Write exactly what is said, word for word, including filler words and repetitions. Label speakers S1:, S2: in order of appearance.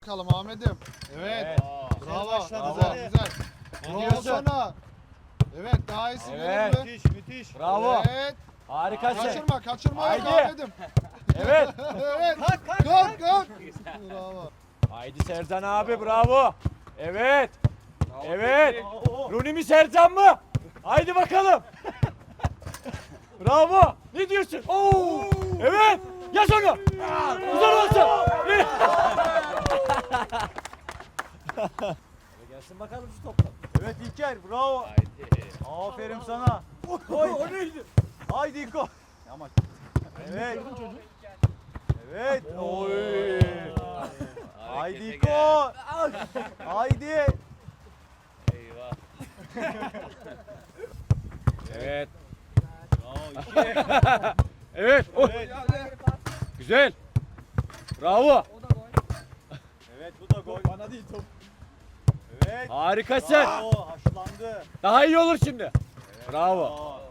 S1: Bakalım Ahmet'im. Evet.
S2: Evet.
S1: Bravo.
S2: Başladı
S1: Bravo.
S2: zaten.
S1: Güzel.
S2: Ne
S1: Bravo
S2: diyorsun?
S1: sana. Evet, daha iyisi
S2: Evet.
S1: gelir mi?
S2: Müthiş müthiş.
S3: Bravo.
S1: Evet.
S3: Harikasın.
S1: Kaçırma, kaçırma yok
S3: Haydi.
S1: Ahmet'im.
S3: Evet.
S1: Evet.
S2: Kalk kalk.
S1: Kalk, kalk. Bravo.
S3: Haydi Sercan abi bravo. Evet. Evet.
S2: Oo.
S3: Runi mi Sercan mı? Haydi bakalım. Bravo. Ne diyorsun? Oo. Evet. Yaz onu. Güzel olsun. Gelsin bakalım şu topla.
S2: Evet İlker bravo.
S4: Haydi.
S2: Aferin sana.
S3: Oy, o neydi?
S2: Haydi İlko. Ama evet. Evet. Oy. Haydi
S4: Harekete
S2: İlko. Haydi.
S4: gel. Eyvah.
S3: Evet.
S2: Bravo İlker.
S3: Evet. Oh.
S2: Evet.
S3: Güzel. Bravo.
S2: Evet bu da gol. Bana değil top. Evet.
S3: Harikasın.
S2: Bravo haşlandı.
S3: Daha iyi olur şimdi. Bravo.
S2: Aa.